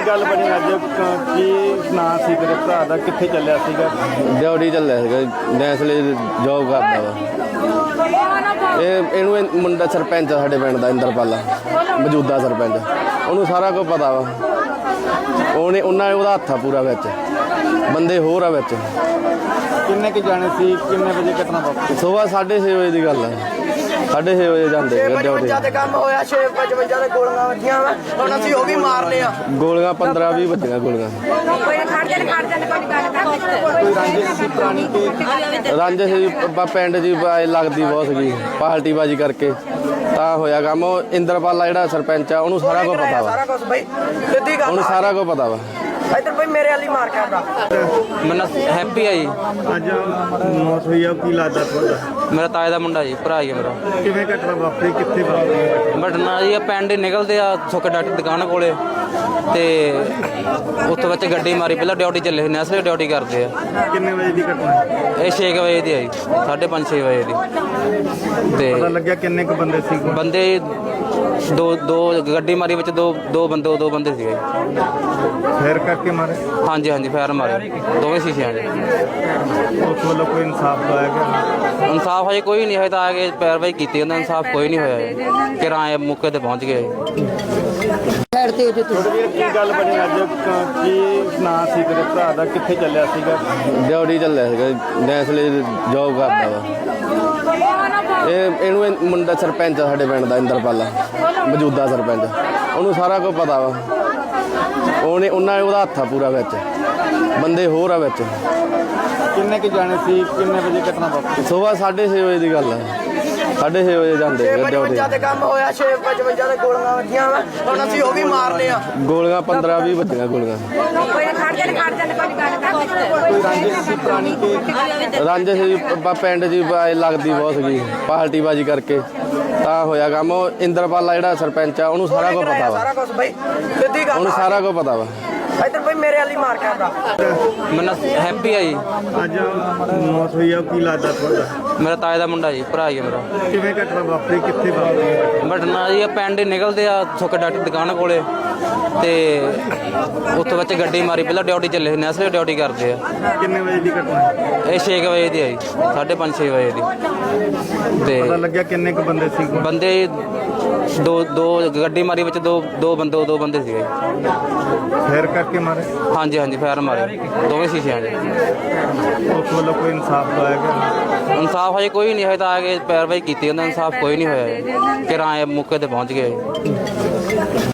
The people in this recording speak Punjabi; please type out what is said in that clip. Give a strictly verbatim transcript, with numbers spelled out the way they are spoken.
ਗੱਲ ਬਣੀ ਅੱਜ ਕੀ ਨਾਂ ਸੀ ਤੇਰੇ ਭਰਾ ਦਾ, ਕਿੱਥੇ ਚੱਲਿਆ ਸੀਗਾ? ਡਿਊਟੀ ਚੱਲਿਆ ਸੀਗਾ, ਨੈਸਲੇ ਜੋਬ ਕਰਦਾ ਵਾ। ਇਹ ਇਹਨੂੰ ਇਹ ਮੁੰਡਾ ਸਰਪੰਚ ਆ ਸਾਡੇ ਪਿੰਡ ਦਾ, ਇੰਦਰਪਾਲਾ ਮੌਜੂਦਾ ਸਰਪੰਚ, ਉਹਨੂੰ ਸਾਰਾ ਕੁਝ ਪਤਾ ਵਾ। ਉਹਨੇ ਉਹਨਾਂ ਨੇ ਉਹਦਾ ਹੱਥ ਆ ਪੂਰਾ ਵਿੱਚ, ਬੰਦੇ ਹੋਰ ਆ ਵਿੱਚ। ਕਿੰਨੇ ਕੁ ਜਾਣੇ ਸੀ, ਕਿੰਨੇ ਵਜੇ ਘਟਨਾ ਵਾਪਰੀ? ਸੁਬਾਹ ਸਾਢੇ ਛੇ ਵਜੇ ਦੀ ਗੱਲ ਹੈ, ਸਾਢੇ ਛੇ ਵਜੇ ਜਾਂਦੇ ਡਿਊਟੀ। ਤੇ ਕੰਮ ਹੋਇਆ ਛੇ ਪਚਵੰਜਾ ਦੇ ਗੋਲੀਆਂ ਵੱਜੀਆਂ ਵਾ, ਹੁਣ ਅਸੀਂ ਉਹ ਵੀ ਮਾਰਨੇ ਆ। ਗੋਲੀਆਂ ਪੰਦਰਾਂ ਵੀਹ ਵੱਜੀਆਂ ਗੋਲੀਆਂ। ਕੋਈ ਰੰਜਿਸ਼ ਸੀ ਪੁਰਾਣੀ ਕਿ ਰਾਂਝੇ ਸੀ ਬ- ਪਿੰਡ ਜੀ ਬ- ਲੱਗਦੀ ਬਹੁਤ ਸੀਗੀ, ਪਾਰਟੀ ਬਾਜੀ ਕਰਕੇ ਤਾਂ ਹੋਇਆ ਕੰਮ। ਉਹ ਇੰਦਰਪਾਲਾ ਜਿਹੜਾ ਸਰਪੰਚ ਆ, ਉਹਨੂੰ ਸਾਰਾ ਕੁਝ ਪਤਾ ਵਾ, ਸਾਰਾ ਕੁਝ ਬਈ ਸਿੱਧੀ ਗੱਲ ਉਹਨੂੰ ਸਾਰਾ ਕੁਝ ਪਤਾ ਵਾ। ਇੱਧਰ ਬਈ ਮੇਰੇ ਵਾਲੀ ਮਾਰ ਕੇ ਆਉਂਦਾ। ਮੇਰਾ ਹੈਪੀ ਆ ਜੀ, ਅੱਜ ਮੌਤ ਹੋਈ ਆ, ਕੀ ਲੱਗਦਾ ਤੁਹਾਡਾ? ਮੇਰਾ ਤਾਏ ਦਾ ਮੁੰਡਾ ਜੀ, ਭਰਾ ਹੀ ਆ ਮੇਰਾ। ਕਿਵੇਂ ਘਟਨਾ ਵਾਪਰੀ, ਕਿੱਥੇ ਵਾਪਰੀ? ਬਟਨਾ ਜੀ ਪਿੰਡ ਹੀ ਨਿਕਲਦੇ ਆ ਸੁੱਕ ਡਾਕਟਰ ਦੁਕਾਨ ਕੋਲੇ, ਤੇ ਉੱਥੋਂ ਵਿੱਚ ਗੱਡੀ ਮਾਰੀ। ਪਹਿਲਾਂ ਡਿਊਟੀ ਚੱਲੇ ਸੀ, ਨੈਸਲੇ ਡਿਊਟੀ ਕਰਦੇ ਆ। ਕਿੰਨੇ ਵਜੇ ਦੀ ਘਟਨਾ? ਇਹ ਛੇ ਕੁ ਵਜੇ ਦੀ ਆ ਜੀ, ਸਾਢੇ ਪੰਜ ਛੇ ਵਜੇ ਦੀ। ਪਤਾ ਤੇ ਲੱਗਿਆ ਕਿੰਨੇ ਕੁ ਬੰਦੇ ਸੀ? ਬੰਦੇ ਦੋ ਦੋ ਗੱਡੀ ਮਾਰੀ ਵਿੱਚ, ਦੋ ਦੋ ਬੰਦੇ ਦੋ ਬੰਦੇ ਸੀਗੇ। ਫੇਰ ਕਰਕੇ ਮਾਰੇ? ਹਾਂਜੀ ਹਾਂਜੀ ਫਾਇਰ ਮਾਰੇ ਦੋਵੇਂ ਸ਼ੀਸ਼ਿਆਂ 'ਚ। ਉਸ ਵੱਲੋਂ ਕੋਈ ਇਨਸਾਫ ਪਾਇਆ ਗਿਆ? ਇਨਸਾਫ ਹਜੇ ਕੋਈ ਨਹੀਂ, ਹਜੇ ਤਾਂ ਆ ਕੇ ਪੈਰਵਾਈ ਕੀਤੀ ਉਹਨਾਂ, ਇਨਸਾਫ ਕੋਈ ਨਹੀਂ ਹੋਇਆ। ਕਿਰਾਏ ਮੌਕੇ ਤੇ ਪਹੁੰਚ ਗਏ। ਵੀਰ ਕੀ ਗੱਲ ਬਣੀ ਅੱਜ ਕੀ ਨਾਂ ਸੀ ਤੇਰੇ ਭਰਾ ਦਾ, ਕਿੱਥੇ ਚੱਲਿਆ ਸੀਗਾ? ਡਿਊਟੀ ਚੱਲਿਆ ਸੀਗਾ, ਨੈਸਲੇ ਜੋਬ ਕਰਦਾ ਵਾ। ਇਹ ਇਹਨੂੰ ਇਹ ਮੁੰਡਾ ਸਰਪੰਚ ਆ ਸਾਡੇ ਪਿੰਡ ਦਾ, ਇੰਦਰਪਾਲਾ ਮੌਜੂਦਾ ਸਰਪੰਚ, ਉਹਨੂੰ ਸਾਰਾ ਕੁਝ ਪਤਾ ਵਾ। ਉਹਨੇ ਉਹਨਾਂ ਨੇ ਉਹਦਾ ਹੱਥ ਆ ਪੂਰਾ ਵਿੱਚ, ਬੰਦੇ ਹੋਰ ਆ ਵਿੱਚ। ਕਿੰਨੇ ਕੁ ਜਾਣੇ ਸੀ, ਕਿੰਨੇ ਵਜੇ ਘਟਨਾ ਵਾਪਰੀ? ਸੁਬਾਹ ਸਾਢੇ ਛੇ ਵਜੇ ਦੀ ਗੱਲ ਹੈ, ਸਾਢੇ ਛੇ ਵਜੇ ਜਾਂਦੇ ਛੇ ਡਿਊਟੀ। ਪਚਵੰਜਾ ਦੇ ਕੰਮ ਹੋਇਆ ਛੇ ਪਚਵੰਜਾ ਦੇ ਗੋਲੀਆਂ ਵੱਜੀਆਂ ਵਾ, ਹੁਣ ਅਸੀਂ ਉਹ ਵੀ ਮਾਰਨੇ ਆ। ਗੋਲੀਆਂ ਪੰਦਰਾਂ ਵੀਹ ਵੱਜੀਆਂ ਗੋਲੀਆਂ। ਕੋਈ ਰੰਜਿਸ਼ ਸੀ ਪੁਰਾਣੀ ਕਿ ਰਾਂਝੇ ਸੀ ਬ- ਪਿੰਡ ਜੀ ਬ- ਲੱਗਦੀ ਬਹੁਤ ਸੀਗੀ, ਪਾਰਟੀ ਬਾਜੀ ਕਰਕੇ ਤਾਂ ਹੋਇਆ ਕੰਮ। ਉਹ ਇੰਦਰਪਾਲਾ ਜਿਹੜਾ ਸਰਪੰਚ ਆ, ਉਹਨੂੰ ਸਾਰਾ ਕੁਝ ਪਤਾ ਵਾ, ਸਾਰਾ ਕੁਝ ਬਈ ਸਿੱਧੀ ਗੱਲ ਉਹਨੂੰ ਸਾਰਾ ਕੁਝ ਪਤਾ ਵਾ। ਇੱਧਰ ਬਈ ਮੇਰੇ ਵਾਲੀ ਮਾਰ ਕੇ ਆਉਂਦਾ। ਮੇਰਾ ਹੈਪੀ ਆ ਜੀ, ਅੱਜ ਮੌਤ ਹੋਈ ਆ, ਕੀ ਲੱਗਦਾ ਤੁਹਾਡਾ? ਮੇਰਾ ਤਾਏ ਦਾ ਮੁੰਡਾ ਜੀ, ਭਰਾ ਹੀ ਆ ਮੇਰਾ। ਕਿਵੇਂ ਘਟਨਾ ਵਾਪਰੀ, ਕਿੱਥੇ ਵਾਪਰੀ? ਬਟਨਾ ਜੀ ਪਿੰਡ ਹੀ ਨਿਕਲਦੇ ਆ ਸੁੱਕ ਡਾਕਟਰ ਦੁਕਾਨ ਕੋਲੇ, ਤੇ ਉੱਥੋਂ ਵਿੱਚ ਗੱਡੀ ਮਾਰੀ। ਪਹਿਲਾਂ ਡਿਊਟੀ ਚੱਲੇ ਸੀ, ਨੈਸਲੇ ਡਿਊਟੀ ਕਰਦੇ ਆ। ਕਿੰਨੇ ਵਜੇ ਦੀ ਘਟਨਾ? ਇਹ ਛੇ ਕੁ ਵਜੇ ਦੀ ਆ ਜੀ, ਸਾਢੇ ਪੰਜ ਛੇ ਵਜੇ ਦੀ। ਪਤਾ ਤੇ ਲੱਗਿਆ ਕਿੰਨੇ ਕੁ ਬੰਦੇ ਸੀ? ਬੰਦੇ ਦੋ ਦੋ ਗੱਡੀ ਮਾਰੀ ਵਿੱਚ, ਦੋ ਦੋ ਬੰਦੇ ਦੋ ਬੰਦੇ ਸੀਗੇ। ਫੇਰ ਕਰਕੇ ਮਾਰੇ? ਹਾਂਜੀ ਹਾਂਜੀ ਫਾਇਰ ਮਾਰੇ ਦੋਵੇਂ ਸ਼ੀਸ਼ਿਆਂ 'ਚ। ਉਸ ਵੱਲੋਂ ਕੋਈ ਇਨਸਾਫ ਪਾਇਆ ਗਿਆ? ਇਨਸਾਫ ਹਜੇ ਕੋਈ ਨਹੀਂ, ਹਜੇ ਤਾਂ ਆ ਕੇ ਪੈਰਵਾਈ ਕੀਤੀ ਉਹਨਾਂ, ਇਨਸਾਫ ਕੋਈ ਨਹੀਂ ਹੋਇਆ। ਕਿਰਾਏ ਮੌਕੇ ਤੇ ਪਹੁੰਚ ਗਏ।